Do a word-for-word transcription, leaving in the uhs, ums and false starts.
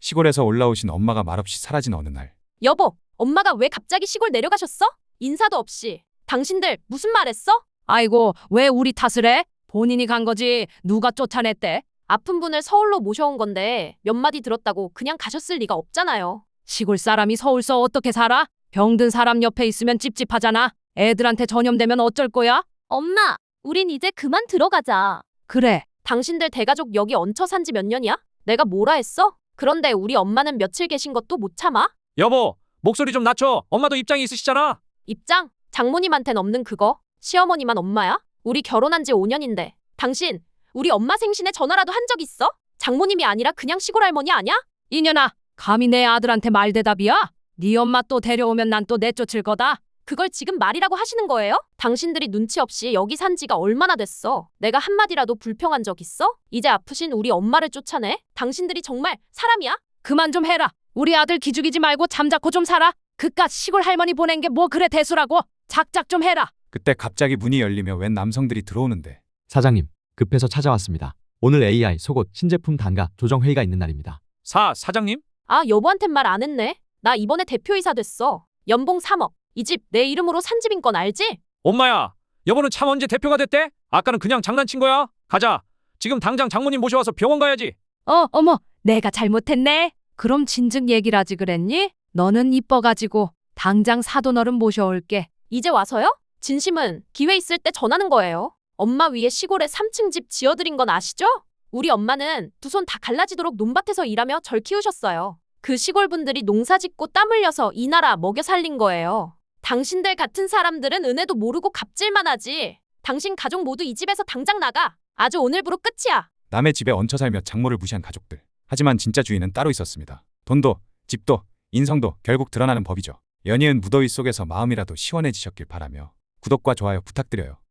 시골에서 올라오신 엄마가 말없이 사라진 어느 날, 여보, 엄마가 왜 갑자기 시골 내려가셨어? 인사도 없이. 당신들 무슨 말 했어? 아이고, 왜 우리 탓을 해? 본인이 간 거지. 누가 쫓아냈대? 아픈 분을 서울로 모셔온 건데 몇 마디 들었다고 그냥 가셨을 리가 없잖아요. 시골 사람이 서울서 어떻게 살아? 병든 사람 옆에 있으면 찝찝하잖아. 애들한테 전염되면 어쩔 거야? 엄마, 우린 이제 그만 들어가자. 그래. 당신들 대가족 여기 얹혀 산 지 몇 년이야? 내가 뭐라 했어? 그런데 우리 엄마는 며칠 계신 것도 못 참아? 여보, 목소리 좀 낮춰. 엄마도 입장이 있으시잖아. 입장? 장모님한텐 없는 그거? 시어머니만 엄마야? 우리 결혼한 지 오 년인데 당신 우리 엄마 생신에 전화라도 한 적 있어? 장모님이 아니라 그냥 시골 할머니 아냐? 이년아, 감히 내 아들한테 말대답이야? 네 엄마 또 데려오면 난 또 내쫓을 거다. 그걸 지금 말이라고 하시는 거예요? 당신들이 눈치 없이 여기 산 지가 얼마나 됐어? 내가 한마디라도 불평한 적 있어? 이제 아프신 우리 엄마를 쫓아내? 당신들이 정말 사람이야? 그만 좀 해라. 우리 아들 기죽이지 말고 잠자코 좀 살아. 그깟 시골 할머니 보낸 게 뭐 그래 대수라고. 작작 좀 해라. 그때 갑자기 문이 열리며 웬 남성들이 들어오는데, 사장님, 급해서 찾아왔습니다. 오늘 에이아이 속옷 신제품 단가 조정 회의가 있는 날입니다. 사, 사장님? 아, 여보한텐 말 안 했네. 나 이번에 대표이사 됐어. 연봉 삼억. 이 집 내 이름으로 산 집인 건 알지? 엄마야, 여보는 참 언제 대표가 됐대? 아까는 그냥 장난친 거야. 가자. 지금 당장 장모님 모셔와서 병원 가야지. 어, 어머, 내가 잘못했네. 그럼 진즉 얘기를 하지 그랬니? 너는 이뻐가지고 당장 사돈어른 모셔올게. 이제 와서요? 진심은 기회 있을 때 전하는 거예요. 엄마 위에 시골에 삼 층 집 지어드린 건 아시죠? 우리 엄마는 두 손 다 갈라지도록 논밭에서 일하며 절 키우셨어요. 그 시골 분들이 농사 짓고 땀 흘려서 이 나라 먹여 살린 거예요. 당신들 같은 사람들은 은혜도 모르고 갑질만 하지. 당신 가족 모두 이 집에서 당장 나가. 아주 오늘부로 끝이야. 남의 집에 얹혀 살며 장모를 무시한 가족들. 하지만 진짜 주인은 따로 있었습니다. 돈도, 집도, 인성도 결국 드러나는 법이죠. 연이은 무더위 속에서 마음이라도 시원해지셨길 바라며 구독과 좋아요 부탁드려요.